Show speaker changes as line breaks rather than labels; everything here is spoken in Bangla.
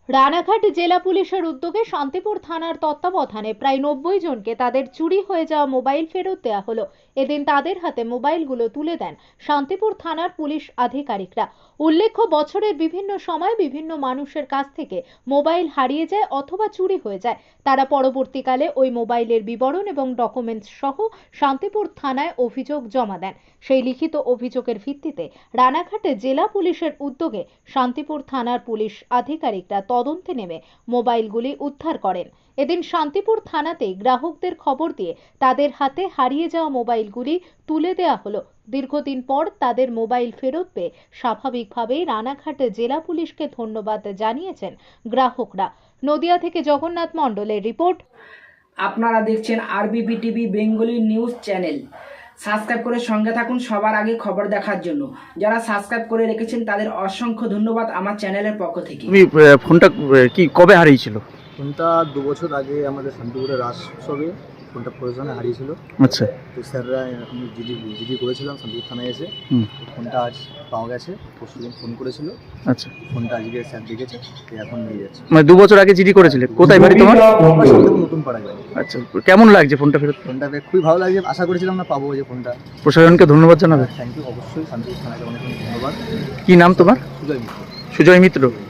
রানাঘাট জেলা পুলিশের উদ্যোগে শান্তিপুর থানার তত্ত্বাবধানে প্রায় 90 জনকে তাদের চুরি হয়ে যাওয়া মোবাইল ফেরত দেওয়া হলো। এদিন তাদের হাতে মোবাইলগুলো তুলে দেন শান্তিপুর থানার পুলিশ আধিকারিকরা। উল্লেখ্য, বছরের বিভিন্ন সময় বিভিন্ন মানুষের কাছ থেকে মোবাইল হারিয়ে যায় অথবা চুরি হয়ে যায়। তারা পরবর্তীকালে ওই মোবাইলের বিবরণ এবং ডকুমেন্টস সহ শান্তিপুর থানায় অভিযোগ জমা দেন। সেই লিখিত অভিযোগের ভিত্তিতে রানাঘাট জেলা পুলিশের উদ্যোগে শান্তিপুর থানার পুলিশ আধিকারিকরা তদন্তে নেমে মোবাইলগুলি উদ্ধার করেন। এদিন শান্তিপুর থানাতেই গ্রাহকদের খবর দিয়ে তাদের হাতে হারিয়ে যাওয়া মোবাইলগুলি তুলে দেওয়া হলো। দীর্ঘদিন পর তাদের মোবাইল ফেরত পেয়ে স্বাভাবিকভাবেই রানাঘাট জেলা পুলিশকে ধন্যবাদ জানিয়েছেন গ্রাহকরা। নদিয়া থেকে জগন্নাথ মণ্ডলের রিপোর্ট।
আপনারা দেখছেন RBP TV Bengali news channel. Subscribe করে সঙ্গে থাকুন সবার আগে খবর দেখার জন্য। যারা সাবস্ক্রাইব করে রেখেছেন তাদের অসংখ্য ধন্যবাদ আমার চ্যানেলের পক্ষ থেকে।
তুমি ফোনটা কি কবে হারিয়েছিল?
ফোনটা 2 বছর আগে আমাদের শান্তিপুরের রাস উৎসবে ফোনটা প্রয়োজনে হারিয়েছিল।
আচ্ছা।
তো স্যাররা আমি জিডি করেছিলাম শান্তিপুর থানায় এসে। ফোনটা আজ পাওয়া গেছে। পরশুদিন ফোন করেছিল।
আচ্ছা।
ফোনটা আজকে স্যার দেখেছে, এখন নিয়ে যাচ্ছে।
মানে 2 বছর আগে জিডি করেছিলে? কোথায় বাড়ি তোমার?
নতুন পাড়া বাড়ি।
আচ্ছা, কেমন লাগছে ফোনটা ফেরত?
ফোনটা পেয়ে খুবই ভালো লাগছে। আশা করেছিলাম না পাবো যে ফোনটা।
প্রশাসনকে ধন্যবাদ জানাবে।
থ্যাংক ইউ, অবশ্যই শান্তিপুর থানাকে অনেক ধন্যবাদ।
কি নাম তোমার?
সুজয় মিত্র।
সুজয় মিত্র।